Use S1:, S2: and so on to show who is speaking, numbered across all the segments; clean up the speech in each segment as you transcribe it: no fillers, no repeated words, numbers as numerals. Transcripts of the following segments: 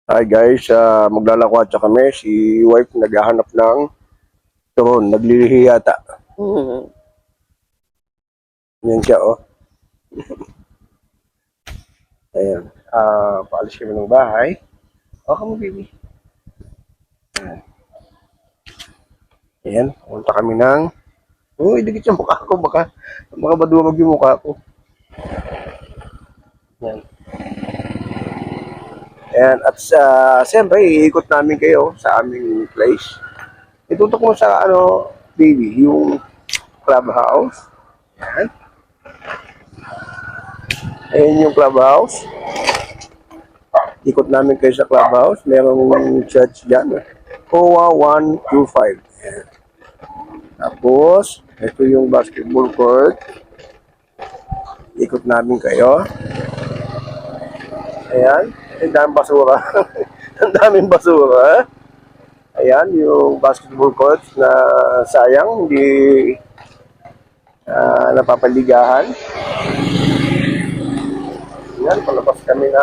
S1: Hi guys, maglalakwatsa kami. Si wife naghahanap ng turon, naglilihi yata. Yan siya, oh. Ayan. Paalis kami ng bahay. Okay mo, baby. Ayan, punta kami ng... Uy, dikit yung mukha ko. Baka maduwag yung mukha ko. Ayan. Ayan, at siyempre, iikot namin kayo sa aming place. Itutok mo sa, baby, yung clubhouse. Ayan. Ayan yung clubhouse. Ikot namin kayo sa clubhouse. Merong church dyan. COA 125. Ayan. Tapos, ito yung basketball court. Ikot namin kayo. Ayan. Ang daming basura. Ang daming basura. Ayan, yung basketball court na sayang, hindi napapaligahan. Ayan, palabas kami na.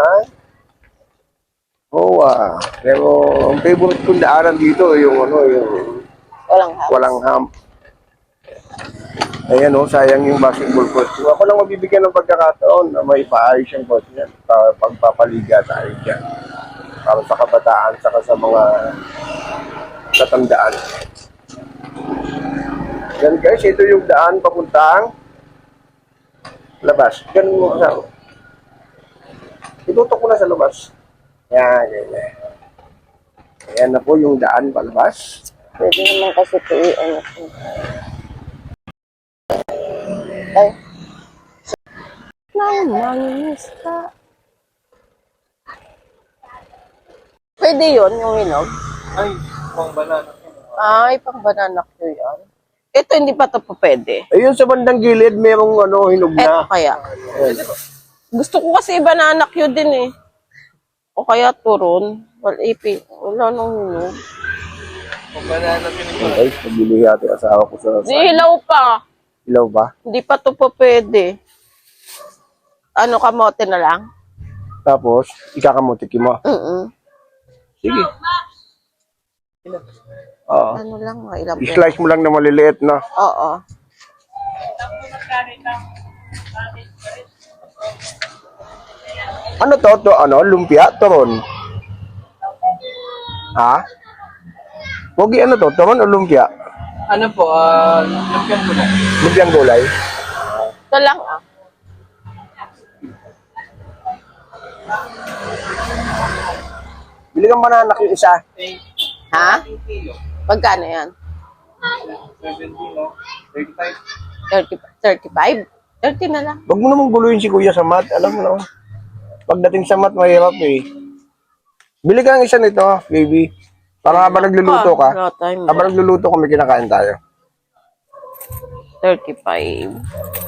S1: Pero ang favorite kong daanan dito, yung walang hump. Ayan, sayang yung basketball court. Kung ako lang mabibigyan ng pagkakataon na may paayos yung court niyan, pagpapaliga tayo dyan. Para sa kabataan, saka sa mga katandaan. Yan guys, ito yung daan papuntang labas. Yan mo sa... Itutok ko na sa labas. Yan. Ayan na po yung daan palabas.
S2: Pwede naman kasi ito ay. Namangista. Pwede yun, yung hinog?
S3: Ay, pang banana.
S2: Ay, pang banana Q yan. Ito hindi pa ito pa pwede.
S1: Ayun sa bandang gilid, merong hinog
S2: Ito
S1: na.
S2: kaya. Gusto ko kasi banana Q din eh. O kaya turon. Wala nang hinog.
S3: Pang banana pinag
S1: Guys, nagbili yata yung asawa ko sa...
S2: Di hilaw pa.
S1: Ilaw ba?
S2: Hindi pa ito pa pwede. Ano, kamote na lang?
S1: Tapos, ikakamutik mo. Sige. Oo.
S2: Ano lang, mga ilang
S1: I-slice mo lang na maliliit na.
S2: Oo.
S1: Ano to? Lumpia? Turon? Ha? Pogi, ano to? Turon o lumpia?
S3: Ano po, lumpiang ko na.
S1: Lumpiang gulay?
S2: Ito lang ah.
S1: Bili kang banana yung isa.
S2: Ha? Magkano yan?
S3: 70, no?
S2: 35?
S3: 35.
S2: 30 na lang.
S1: Huwag mo namang guluhin si kuya sa mat. Alam mo na. Pagdating sa mat, mahirap eh. Bili ka ng isa nito, baby. Para habang nagluluto ka.
S2: Wala time.
S1: Habang nagluluto ka, may kinakain tayo.
S2: 35.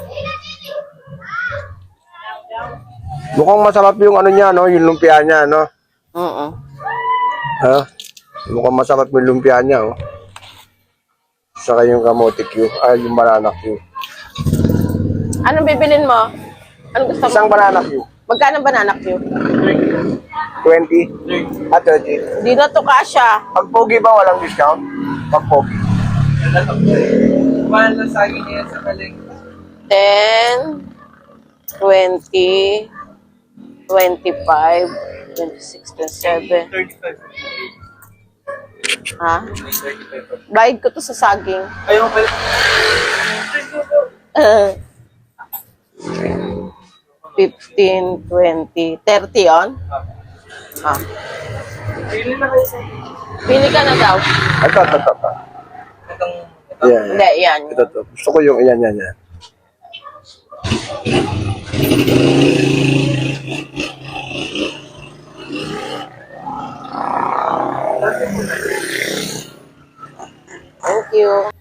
S1: Mukhang masarap yung ano niya, no? Yung lumpia niya, no?
S2: Oo.
S1: Ha? Mukhang masarap yung lumpia niya, oh. Saka yung kamote Q. Ay, yung banana Q.
S2: Anong bibilin mo? Anong gusto mo?
S1: Isang banana Q.
S2: Magkano banana Q?
S1: 20? At 30.
S2: Di na to kasha.
S1: Pag pogi ba, walang discount? Pag pogi.
S3: Mahal na saging niya sa kaling.
S2: 10, 20, 25, 26, 27.
S3: 35.
S2: Ha?
S3: 35.
S2: Bayad ko to sa saging.
S3: Ayaw pala.
S2: 15, 20, 30 yun? Ha?
S3: Pili na kayo sa...
S2: Pili ka na daw.
S1: Ito.
S3: Itong...
S1: Yan.
S2: Hindi, yan.
S1: Ito. Gusto ko yung yan.
S2: Thank you.